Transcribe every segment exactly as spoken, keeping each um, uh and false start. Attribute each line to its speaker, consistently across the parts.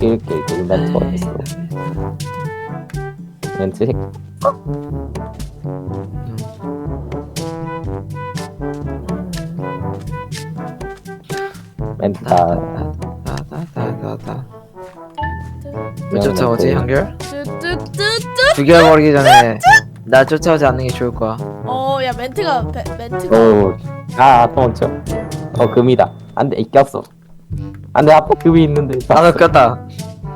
Speaker 1: 이렇게 이렇게 멘트가 있어. 멘트 새끼. 멘트다.
Speaker 2: 다다다다다. 왜 쫓아오지 한결?
Speaker 3: 뚜뚜뚜뚜.
Speaker 2: 죽여버리기 전에 나 쫓아오지 않는 게 좋을 거야.
Speaker 3: 어, 야 멘트가 베, 멘트가.
Speaker 1: 오, 아 도망쳐. 어 금이다. 안돼 꼈어. 안돼 앞에 금이 있는데.
Speaker 2: 나도 꼈다.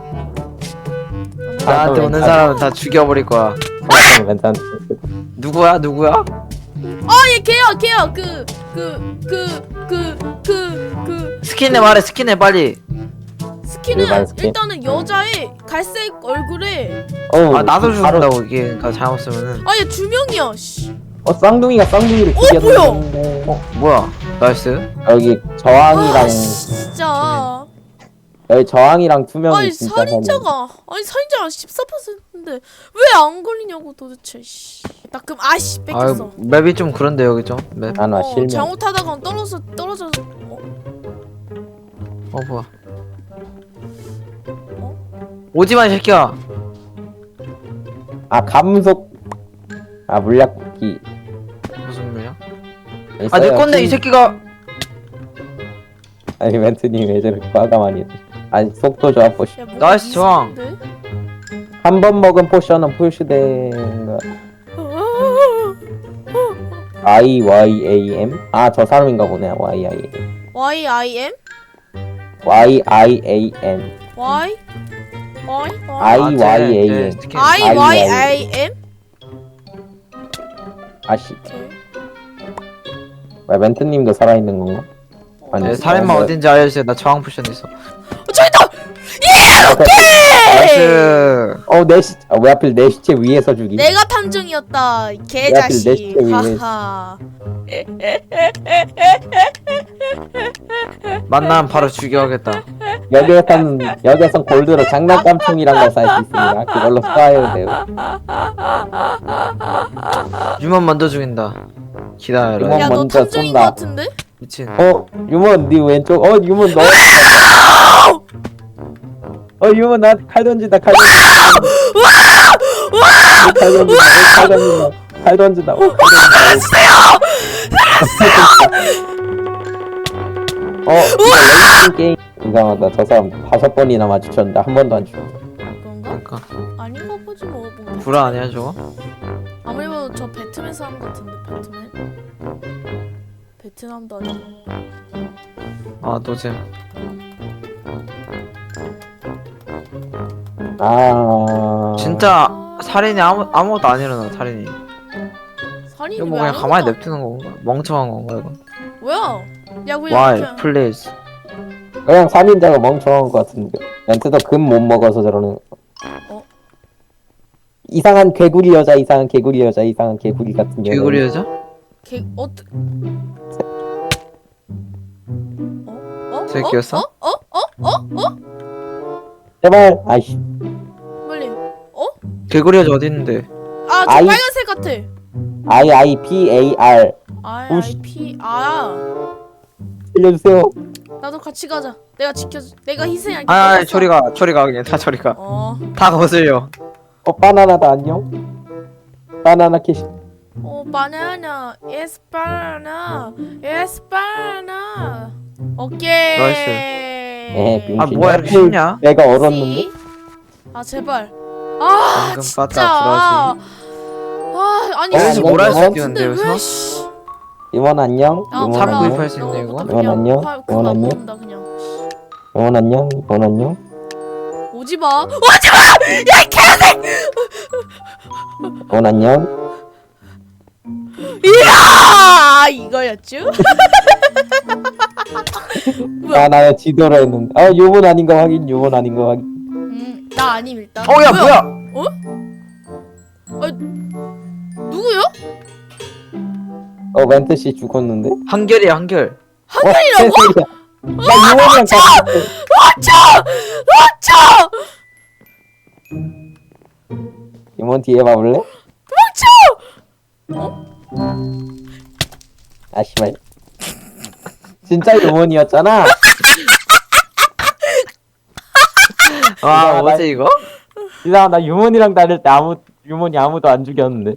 Speaker 2: 나한테 오는 사람은 다 죽여버릴 거야.
Speaker 1: 괜찮아.
Speaker 2: 누구야 누구야?
Speaker 3: 아, 얘 걔야 걔야 그 그 그 그 그 그
Speaker 2: 스킨에 말해 스킨에 빨리.
Speaker 3: 스킨은
Speaker 1: 일반 스킨?
Speaker 3: 일단은 여자의 갈색 얼굴에.
Speaker 1: 어,
Speaker 2: 아 나도
Speaker 1: 바로-
Speaker 2: 죽는다고 이게 그러니까 잘못 쓰면은.
Speaker 3: 아, 얘 두 명이야. 씨.
Speaker 1: 어 쌍둥이가 쌍둥이를
Speaker 3: 어,
Speaker 1: 죽였는데.
Speaker 2: 어 뭐야? 나이스.
Speaker 1: 여기 저항이랑
Speaker 3: 아, 진짜.
Speaker 1: 여기 저항이랑 투명이
Speaker 3: 아니
Speaker 1: 진짜
Speaker 3: 살인자가 아니 살인자가 십사 퍼센트인데 왜 안 걸리냐고 도대체. 씨. 나 그럼 아씨
Speaker 2: 아
Speaker 3: 뺏겼어.
Speaker 2: 맵이 좀 그런데 여기 좀 맵.
Speaker 1: 안와
Speaker 3: 어,
Speaker 1: 실명.
Speaker 3: 잘못하다가 떨어져 떨어져서. 어?
Speaker 2: 어 뭐야? 오지마 이 새끼야.
Speaker 1: 아 감속. 아 물약기.
Speaker 2: 무슨 말이야? 아 내 건데 이 새끼가.
Speaker 1: 아니 멘트님 왜 저렇게 과감하니? 아니 속도 좋아 포시.
Speaker 3: 야, 뭐가
Speaker 2: 나이스 저항.
Speaker 3: 이상한데?
Speaker 1: 한 번 먹은 포션은 표시된 I Y A M. 아 저 사람인가 보네. Y I M.
Speaker 3: Y I M
Speaker 1: Y I A M.
Speaker 3: Y Y
Speaker 1: I
Speaker 3: Y
Speaker 1: Y A M.
Speaker 3: I Y I M.
Speaker 1: 아씨.
Speaker 3: 오케이.
Speaker 1: 왜 멘트님도 살아있는 건가? 아니
Speaker 2: 네, 살인마
Speaker 1: 어,
Speaker 2: 어딘지 알려주세요. 나 저항 포션 있어.
Speaker 3: 어, 저기 있다.
Speaker 2: 나이스.
Speaker 1: 어내 시. 아, 왜 하필 내 시체 위에서 죽이?
Speaker 3: 내가 탐정이었다. 이
Speaker 1: 내
Speaker 3: 개자식.
Speaker 1: 시체 위에.
Speaker 3: 하하.
Speaker 2: 만나면 바로 죽여야겠다.
Speaker 1: 여기에선 여기에선 골드로 장난감총이란 걸 살 수 있습니다. 그걸로 쏴야 돼요.
Speaker 2: 유만 먼저 죽인다. 기다려라.
Speaker 1: 유만
Speaker 3: 야, 너
Speaker 1: 먼저
Speaker 3: 탐정인 거
Speaker 1: 쏜다.
Speaker 3: 같은데?
Speaker 2: 미친.
Speaker 1: 어 유먼 네 왼쪽. 어 유먼 너. 어 유먼 나한테 칼 던진다. 칼 던진다. 칼 던진다. 칼 던진다. 칼 던진다. 어, 칼 던진다. 어 이거 레이싱 게임 이상하다. 저 사람 다섯 번이나 마주쳤는데 한 번도 안 죽어.
Speaker 3: 그런가?
Speaker 2: 그러니까
Speaker 3: 아닌가 보지 뭐. 뭐.
Speaker 2: 불화 아니야 저거?
Speaker 3: 아무리 봐도 저 배트맨 사람 같은데 배트맨. 베트남도 아니고.
Speaker 2: 아 노잼.
Speaker 1: 아
Speaker 2: 진짜 살인이 아무 아무것도 안 일어나 살인이.
Speaker 3: 살인이
Speaker 2: 이거 뭐
Speaker 3: 왜
Speaker 2: 그냥 가만히
Speaker 3: 아무것도
Speaker 2: 냅두는 건가? 멍청한 건가 이거?
Speaker 3: 안- 뭐야? 야 그냥
Speaker 2: Why?
Speaker 3: 그냥
Speaker 2: Please.
Speaker 1: 그냥 살인자가 멍청한 것 같은데. 멘트도 금 못 먹어서 저러는.
Speaker 3: 어?
Speaker 1: 이상한 개구리 여자, 이상한 개구리 여자, 이상한 개구리 같은 여자.
Speaker 2: 개구리 여자?
Speaker 3: 개 어떠 어? 어?
Speaker 2: 새끼였어?
Speaker 3: 어? 어? 어? 어? 어?
Speaker 1: 제발. 아이씨.
Speaker 3: 빨리. 어?
Speaker 2: 개구리 여자 어디 있는데?
Speaker 3: 아, 저
Speaker 1: 아이-
Speaker 3: 빨간색 같아.
Speaker 1: I I P A R.
Speaker 3: I
Speaker 1: 오씨.
Speaker 3: I P 아.
Speaker 1: 알려주세요.
Speaker 3: 나도 같이 가자. 내가 지켜줘. 내가 희생할게.
Speaker 2: 아, 아
Speaker 3: 알았어.
Speaker 2: 저리 가, 저리 가 그냥 다 저리 가.
Speaker 3: 어.
Speaker 2: 다 거슬려.
Speaker 1: 어 바나나다 안녕. 바나나 캐시.
Speaker 3: 어, 바나나. Yes, 바나나. Yes, 바나나. 오케이.
Speaker 2: 나이스.
Speaker 1: 에
Speaker 2: 아,
Speaker 1: 빙신.
Speaker 2: 뭐야, 이렇게 쉽냐?
Speaker 1: 내가 얼었는데.
Speaker 3: 씨. 아, 제발. 아,
Speaker 2: 방금
Speaker 3: 진짜.
Speaker 2: 빠따
Speaker 3: 아, 아니
Speaker 1: 어,
Speaker 3: 씨,
Speaker 1: 뭐라
Speaker 3: 모를
Speaker 1: 할
Speaker 3: 수
Speaker 2: 수
Speaker 3: 있는데
Speaker 2: 있는데,
Speaker 3: 왜
Speaker 2: 여기서?
Speaker 3: 씨.
Speaker 1: 이원 안녕.
Speaker 3: 아,
Speaker 1: 이원
Speaker 2: 참
Speaker 3: 몰라.
Speaker 1: 안녕.
Speaker 2: 구입할 수 있네, 이거.
Speaker 3: 너부터
Speaker 1: 이원
Speaker 3: 그냥
Speaker 1: 안녕?
Speaker 3: 화- 그거
Speaker 1: 이원
Speaker 3: 안
Speaker 1: 안녕?
Speaker 3: 먹는다 그냥.
Speaker 1: 이원 안녕. 이원 안녕.
Speaker 3: 오지 마. 오지 마. 야, 이 개새끼.
Speaker 1: 이원 안녕.
Speaker 3: 이야, 이거였죠? 뭐야?
Speaker 1: 아 나는 지도로 했는데. 아 요번 아닌 거 확인. 요번 아닌 거 확인.
Speaker 3: 음, 나 아님 일단.
Speaker 2: 어, 야 뭐야?
Speaker 3: 누구요?
Speaker 1: 어 멘트 씨 죽었는데.
Speaker 2: 한결이야 한결.
Speaker 1: 한결이라고? 나 요원이랑 같이.
Speaker 3: 맞춰! 맞춰!
Speaker 1: 이원 뒤에 봐볼래?
Speaker 3: 맞춰! 어?
Speaker 1: 아 씨발. 진짜 요원이었잖아.
Speaker 2: 아
Speaker 1: 나-
Speaker 2: 뭐지 이거?
Speaker 1: 이상하 나 유몬이랑 다닐 때 아무 유몬이 아무도 안 죽였는데.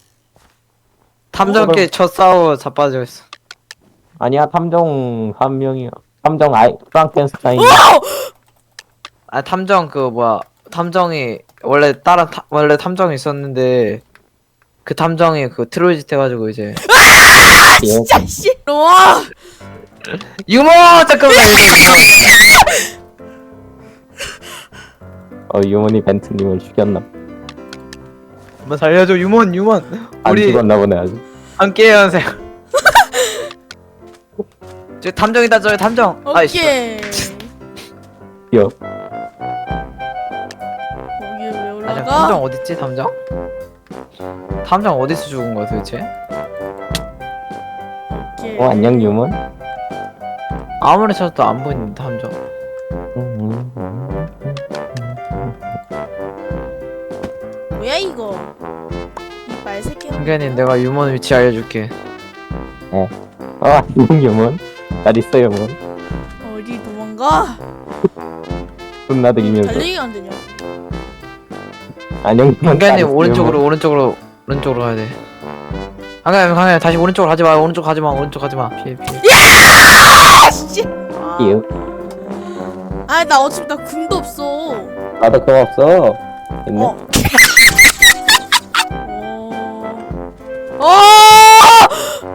Speaker 2: 탐정끼리 첫 싸워 자빠져 있어.
Speaker 1: 아니야 탐정 한 명이야. 탐정 아이 프랑켄스타인.
Speaker 2: 아 탐정 그 뭐야 탐정이 원래 다른 타, 원래 탐정이 있었는데 그 탐정이 그 트로이짓 해가지고 이제
Speaker 1: 진짜.
Speaker 3: 씨. 와.
Speaker 2: 유머 잠깐만
Speaker 1: 어 유몬이 벤트님을 죽였나?
Speaker 2: 한번 살려줘 유먼 유먼
Speaker 1: 안
Speaker 2: 우리
Speaker 1: 죽었나 보네 아직.
Speaker 2: 함께 연생. 저 탐정이다 저 탐정. 아이씨.
Speaker 3: 오케이.
Speaker 1: 귀여.
Speaker 3: 거기 왜
Speaker 2: 아
Speaker 3: 올라가?
Speaker 2: 탐정 어딨지 탐정? 탐정 어디서 죽은 거야 도대체?
Speaker 3: 오케이.
Speaker 1: 어 안녕 유몬.
Speaker 2: 아무리 찾아도 안 보이는 탐정.
Speaker 3: 뭐야 이거? 이 말새끼.
Speaker 2: 승현님 내가 유먼 위치 알려줄게.
Speaker 1: 어 안녕 유몬. 잘 있어 유몬.
Speaker 3: 어디 도망가?
Speaker 1: 혼나드리면서.
Speaker 3: 달리기가 안 되냐?
Speaker 1: 안녕 유몬. 잘
Speaker 2: 승현님
Speaker 1: 있어,
Speaker 2: 오른쪽으로
Speaker 1: 유몬.
Speaker 2: 오른쪽으로 오른쪽으로 가야 돼. 강현 강현 다시 오른쪽으로 가지 마 오른쪽 가지 마 오른쪽 가지 마 피해 피해.
Speaker 3: 아 씨. 아,
Speaker 1: 귀여.
Speaker 3: 아나 어차피 나 금도 없어.
Speaker 1: 나도 그거 없어. 됐네.
Speaker 3: 어. 어. 어.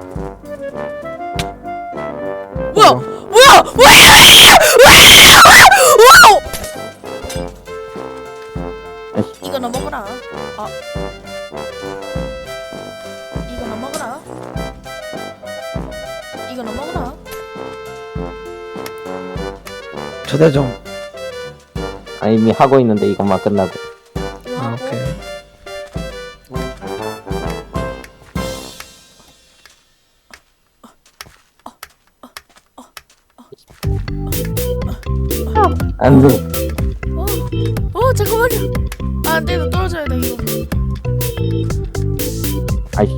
Speaker 3: 뭐야? 뭐야? 뭐야? 뭐야? 이거 너 먹어라. 아. 이거 너 먹어라. 이거 너 먹어라.
Speaker 2: 초대 좀.
Speaker 1: 아 이미 하고 있는데 이것만 끝나고.
Speaker 3: 이거
Speaker 2: 아
Speaker 3: 하고.
Speaker 2: 오케이.
Speaker 1: 안 돼.
Speaker 3: 어. 어 잠깐만요. 아, 안돼 너 떨어져야 돼 이거.
Speaker 1: 아이씨.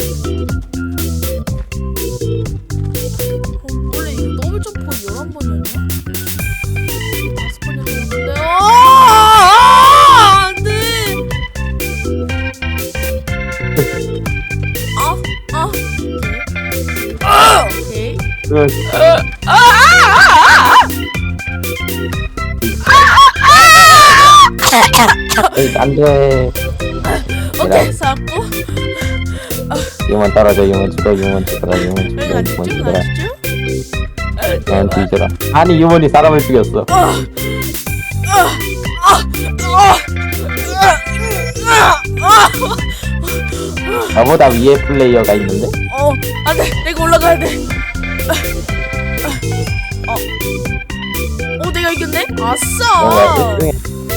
Speaker 3: 어, 원래 이거 더블 점프 열한 번이었나? 다섯 번이었는데. 아, 안돼. 아, 아. 아, 오케이.
Speaker 1: 응. 에이, 안 돼.
Speaker 3: 오케이 살았고.
Speaker 1: 이만 떨어져, 이만 죽어, 이만 죽어라, 이만 죽어,
Speaker 3: 여기 안
Speaker 1: 이만
Speaker 3: 죽죠?
Speaker 1: 죽어라,
Speaker 3: 안 죽죠?
Speaker 1: 이만 뒤져라. 아니 유몬이 사람을 죽였어. 나보다 위에 플레이어가 있는데.
Speaker 3: 어, 안돼, 내가 올라가야 돼. 어, 어, 내가 이겼네.
Speaker 1: 뭔가
Speaker 3: 아싸.
Speaker 1: 일등해.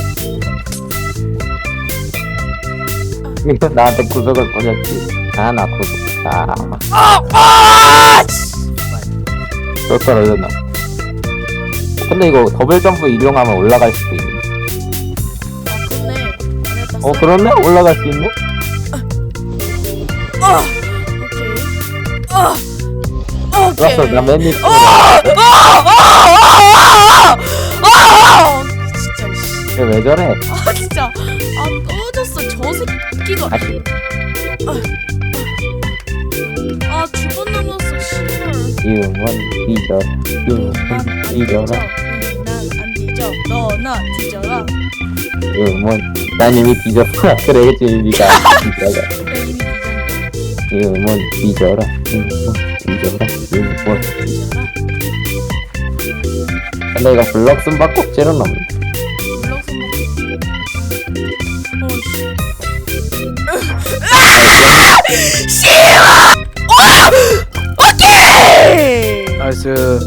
Speaker 1: 나한테 구석을 보냈지. 아나 구석. 아,
Speaker 3: 아, 아,
Speaker 1: 또 떨어졌나? 근데 이거 더블 점프 이용하면 올라갈 수도 있네.
Speaker 3: 아, 그렇네.
Speaker 1: 어 그렇네? 올라갈 수 있네?
Speaker 3: 아, 오케이. 아, 오케이.
Speaker 1: 좋았어, 나맨 밑에.
Speaker 3: 아, 아, 아, 아, 아, 진짜. 씨.
Speaker 1: 왜 저래?
Speaker 3: 아, 진짜. 아, 꺼졌어. 저 새끼가.
Speaker 1: 아씨.
Speaker 3: 아, 두 번 남았어. 씨발.
Speaker 1: 유몬 뒤져. 유몬
Speaker 3: 난안
Speaker 1: 뒤져라.
Speaker 3: 난안 뒤져. 너나 뒤져라.
Speaker 1: 유몬. 난 이미 뒤졌어. 그래야지 니가 뒤져라.
Speaker 3: 그래, 이미 뒤졌네.
Speaker 1: 유몬 뒤져라. 유몬 뒤져라. 유몬.
Speaker 3: 뒤져라.
Speaker 1: 근데 이거 블럭 쓴바 꼭지는 없네.
Speaker 3: 블럭 손목. 어, 씨. 씨발! 어! 오케이!
Speaker 2: 나이스.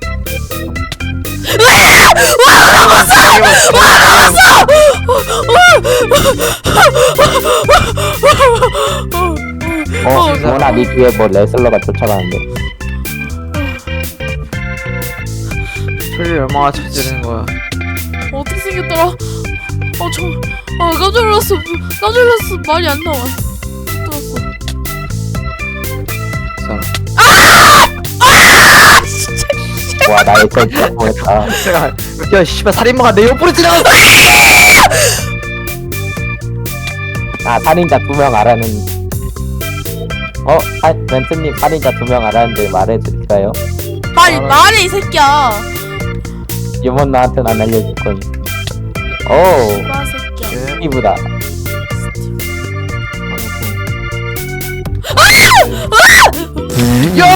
Speaker 1: 어, 유몬아 니 뒤에 뭐 레슬러가 쫓아가는데.
Speaker 2: 소리 얼마나 쳐지는 거야.
Speaker 3: 어떻게 생겼더라? 어, 저, 아, 깜짝 놀랐어. 깜짝 놀랐어. 말이 안 나와. 들었어.
Speaker 2: 사람.
Speaker 1: 와 나의 전 성공했다.
Speaker 2: 내가 야 씨발 살인마가 내 옆으로 지나갔어.
Speaker 1: 아 살인자 두 명 알아는. 어, 아, 멘트님 살인자 두 명 알았는데 말해드릴까요?
Speaker 3: 말이 말해 이 새끼야.
Speaker 1: 유먼 나한테는 안 알려줄 거니. 오,
Speaker 3: 와 새끼야.
Speaker 2: 예.
Speaker 1: 스티브다.
Speaker 2: 야!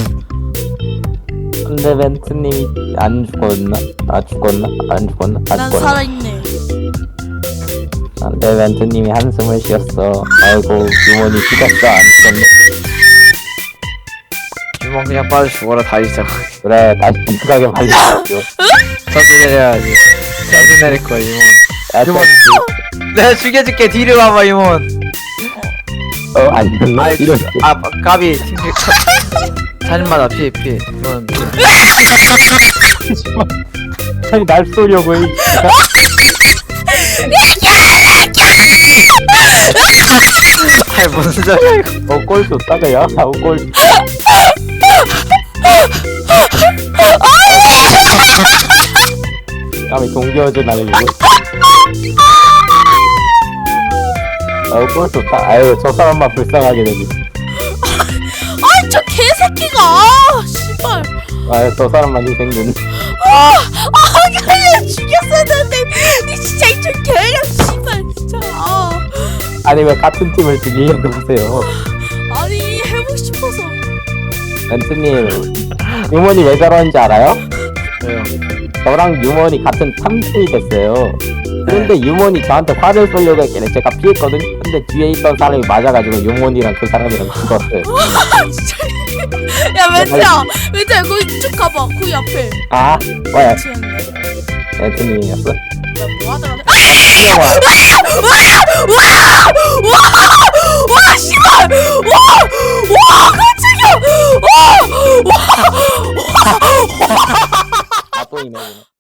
Speaker 1: 근데 멘트님이 안 죽었나? 아 죽었나? 안 죽었나? 안
Speaker 3: 난
Speaker 1: 죽었나?
Speaker 3: 살아있네.
Speaker 1: 근데 멘트님이 한숨을 쉬었어. 아이고 유먼이 죽었어. 안 죽었네.
Speaker 2: 유먼 그냥 빠져 죽어라 다이자.
Speaker 1: 그래 다시 빈트하게 말려줘.
Speaker 2: 저도 내려야지. 저도 내릴 거야 유먼.
Speaker 1: 야,
Speaker 2: 유먼. 내가 죽여줄게. 뒤로 와봐 유먼.
Speaker 1: 어, 안 됐나? 이런.
Speaker 2: 아 까비 팀킬. 살인마다 피해 피해. 유먼 피해.
Speaker 1: 아니 날 쏘려고 이.
Speaker 2: 아이 무슨 소리야 이거.
Speaker 1: 어, 골 줬다가 야, 어, 골. 까미 동기어제 나는 이거. 어, 골 좋다. 아유, 저 사람만 불쌍하게 되지.
Speaker 3: 아이 저 개새끼가. 아 씨발.
Speaker 1: 아유, 저 사람만 희생된.
Speaker 3: 아, 아, 그냥 죽였어야 되는데, 이 진짜 이저 개력 씨발 진짜. 아,
Speaker 1: 아니, 왜 같은 팀을 죽이려고 보세요.
Speaker 3: 아니 해보고 싶어서.
Speaker 1: 멘트님, 유먼이 왜 저러는지 알아요?
Speaker 2: 왜요?
Speaker 1: 저랑 유먼이 같은 탐정이 됐어요. 그런데 유먼이 저한테 화를 쏘려고 했길래 제가 피했거든요. 근데 뒤에 있던 사람이 맞아가지고 유먼이랑 그 사람이랑 죽었어요.
Speaker 3: 아 진짜. 야 멘트야, 멘트야 거기 쭉 가봐. 거기 앞에.
Speaker 1: 아, 뭐야,
Speaker 3: 지었네.
Speaker 1: 멘트님이었어?
Speaker 3: 뭐 하더라?
Speaker 1: 아!